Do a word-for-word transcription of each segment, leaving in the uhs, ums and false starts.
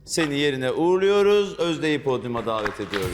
Seni yerine uğurluyoruz. Özde'yi podyuma davet ediyoruz.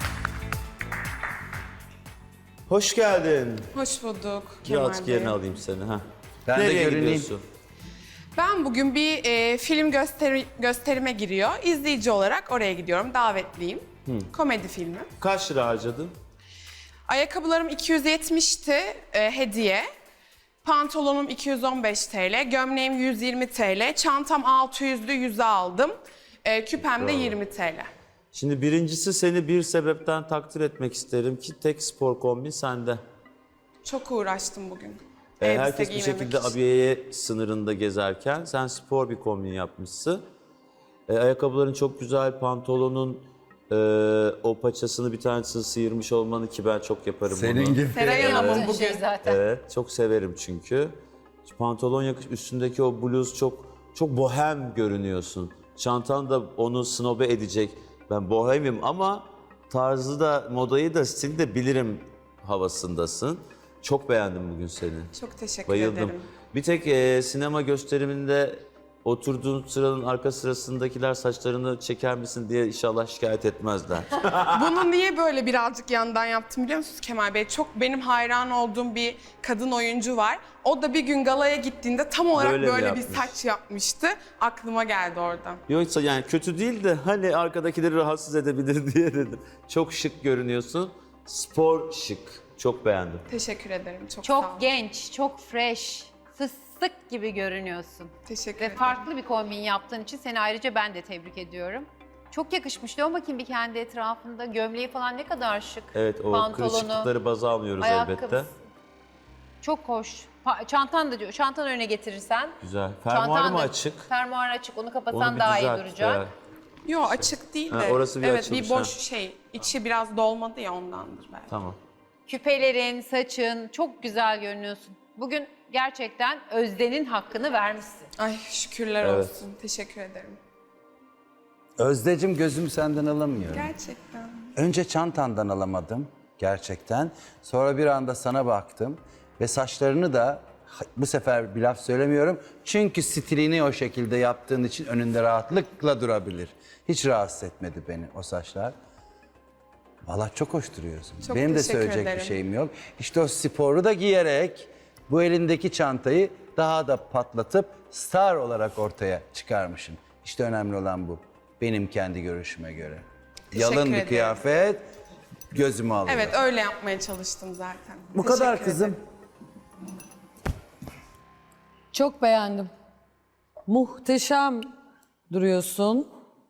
Hoş geldin. Hoş bulduk Bir artık Kemal Bey. yerine alayım seni. Ha. Ben de Nereye görüneyim. gidiyorsun? Ben bugün bir e, film gösteri, gösterime giriyor. İzleyici olarak oraya gidiyorum. Davetliyim. Komedi filmi. Kaç lira harcadın? Ayakkabılarım iki yüz yetmişti e, hediye. Pantolonum iki yüz on beş TL, gömleğim yüz yirmi TL, çantam altı yüzlü yüze aldım. E, küpem de yirmi TL. Şimdi birincisi seni bir sebepten takdir etmek isterim ki tek spor kombin sende. Çok uğraştım bugün. Ee, elbise herkes bir giymemek şekilde için. abiyeye sınırında gezerken sen spor bir kombin yapmışsın. Ee, ayakkabıların çok güzel, pantolonun e, o paçasını bir tanesini sıyırmış olmanı ki ben çok yaparım Senin bunu. gibi. Seray Hanım'ın bugün. Şey zaten. Evet, çok severim çünkü. Pantolon yakış, üstündeki o bluz çok çok bohem görünüyorsun. Çantan da onu snobe edecek. Ben bohemim ama tarzı da, modayı da, stili de bilirim havasındasın. Çok beğendim bugün seni. Çok teşekkür Bayıldım. ederim. Bir tek e, sinema gösteriminde oturduğun sıranın arka sırasındakiler saçlarını çeker misin diye inşallah şikayet etmezler. Bunu niye böyle birazcık yandan yaptım biliyor musunuz Kemal Bey? Çok benim hayran olduğum bir kadın oyuncu var. O da bir gün galaya gittiğinde tam olarak Böyle mi böyle, bir yapmış? saç yapmıştı. Aklıma geldi oradan. Yoksa yani kötü değil de hani arkadakileri rahatsız edebilir diye dedim. Çok şık görünüyorsun. Spor şık. Çok beğendim. Teşekkür ederim. Çok, sağ olun. Çok genç, çok fresh, fıstık gibi görünüyorsun. Teşekkür Ve ederim. farklı bir kombin yaptığın için seni ayrıca ben de tebrik ediyorum. Çok yakışmış. Dön bakayım bir kendi etrafında. Gömleği falan ne kadar şık. Evet, o Pantolonu, kırışıklıkları baza almıyoruz elbette. ayakkabısı. Çok hoş. Pa- çantan da diyor. Çantanı öne getirirsen. Güzel. Fermuarı çantan mı da- açık? Fermuar açık. Onu Onu kapatsan bir daha iyi düzelt. duracak. Evet. Yo açık değil de. Ha, orası bir evet açılmış, bir boş ha. şey. İçi biraz dolmadı ya ondandır belki. Tamam. Küpelerin, saçın çok güzel görünüyorsun. Bugün gerçekten Özde'nin hakkını vermişsin. Ay şükürler Evet. olsun. Teşekkür ederim. Özdecim gözümü senden alamıyorum. Gerçekten. Önce çantandan alamadım gerçekten. Sonra bir anda sana baktım ve saçlarını da bu sefer bir laf söylemiyorum. Çünkü stilini o şekilde yaptığın için önünde rahatlıkla durabilir. Hiç rahatsız etmedi beni o saçlar. Vallahi çok hoş duruyorsun. Çok Benim de teşekkür söyleyecek ederim. bir şeyim yok. İşte o sporu da giyerek bu elindeki çantayı daha da patlatıp star olarak ortaya çıkarmışsın. İşte önemli olan bu. Benim kendi görüşüme göre. Teşekkür Yalın bir ederim. kıyafet gözümü alıyor. Evet öyle yapmaya çalıştım zaten. Bu Teşekkür kadar ederim. kızım. Çok beğendim. Muhteşem duruyorsun.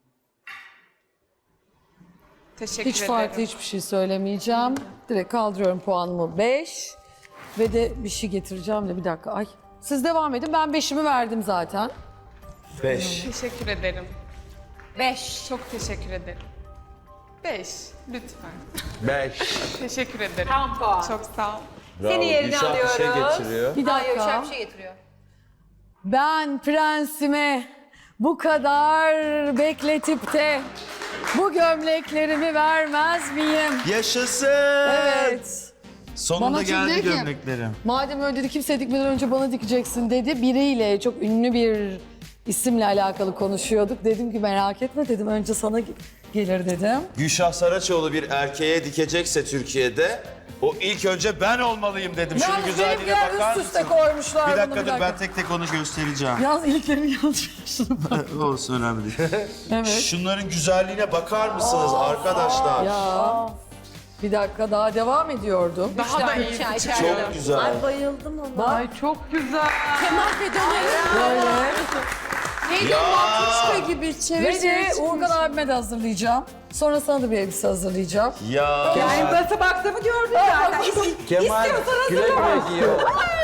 Teşekkür Hiç ederim. farklı hiçbir şey söylemeyeceğim. Direkt kaldırıyorum puanımı beş. Ve de bir şey getireceğim de bir dakika. Ay. Siz devam edin. Ben beşimi verdim zaten. Beş. Teşekkür ederim. Beş. Çok teşekkür ederim. Beş. Lütfen. Beş. Teşekkür ederim. Tam puan. Çok sağ ol. Seni yerine Gülşah bir şey alıyoruz. getiriyor. Bir Hayır, dakika. şöyle bir şey getiriyor. Ben prensime bu kadar bekletip de bu gömleklerimi vermez miyim? Yaşasın. Evet. Sonunda Bana geldi şimdi ki- gömleklerim. Madem öyle dedi kimse dikmeden önce bana dikeceksin dedi. Biriyle çok ünlü bir isimle alakalı konuşuyorduk. Dedim ki merak etme dedim önce sana ge- gelir dedim. Gülşah Saraçoğlu bir erkeğe dikecekse Türkiye'de o ilk önce ben olmalıyım dedim. Şunun Yalnız güzelliğine benimkiler bakar üst üste mısın? koymuşlar Bir bunu, dakika dur ben tek tek onu göstereceğim. Yalnız ilklerini yanlış yapmışım. Olsun önemli değil. Evet. Şunların güzelliğine bakar mısınız arkadaşlar? Ya bir dakika daha devam ediyordum. Daha da iyi. Çay, çay. Çok güzel. Ay çok güzel. Böyle. Ya, Ve de Uğurkan abime de hazırlayacağım. Sonra sana da bir elbise hazırlayacağım. ya. Nasıl baktığımı gördün zaten. Kemal güle güle giyiyor.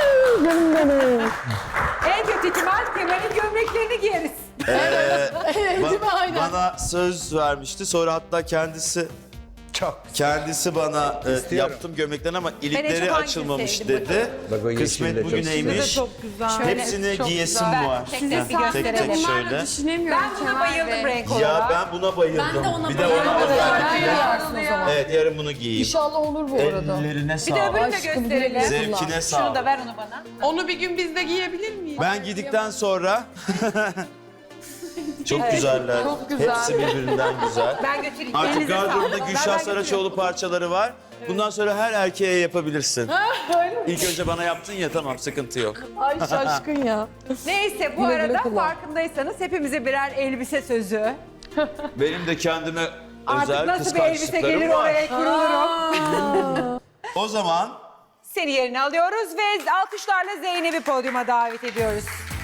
En kötü ihtimal Kemal'in gömleklerini giyeriz. Evet değil mi? Ba- Aynen. bana söz vermişti. Sonra hatta kendisi Çok. kendisi bana e, İstiyorum. yaptım gömleklerini ama çok ilikleri hangisini açılmamış sevdim dedi. Bak o yeşil de Kısmet çok bugüneymiş. Güzel. Hepsini giyesim var. Tek tek bir Tek tek gösterelim. şöyle. Ben buna bayıldım renk olarak. Ya ben buna bayıldım. Ben de ona bir de ona Evet, özellikle. giyarsın o zaman. Evet yarın bunu giyeyim. İnşallah olur bu arada. Ellerine Bir de sağlık. öbürünü de Aşkım, gösterelim. güle güle. Zevkine Şunu da sağlık. ver onu bana. Onu bir gün biz de giyebilir miyiz? Ben gidikten sonra Çok güzeller. Çok güzel. Hepsi birbirinden güzel. Ben götüreyim. Artık Elinize gardırobunda sağlık. Gülşah Ben Saraçoğlu parçaları var. Bundan sonra her erkeğe yapabilirsin. İlk önce bana yaptın ya, tamam, sıkıntı yok. Ay şaşkın ya. Neyse bu Güle güle arada kullan. farkındaysanız hepimize birer elbise sözü. Benim de kendime Artık özel nasıl bir elbise kıskançlıklarım gelir var. oraya kurulurum. O zaman Seni yerine alıyoruz ve alkışlarla Zeynep'i podyuma davet ediyoruz.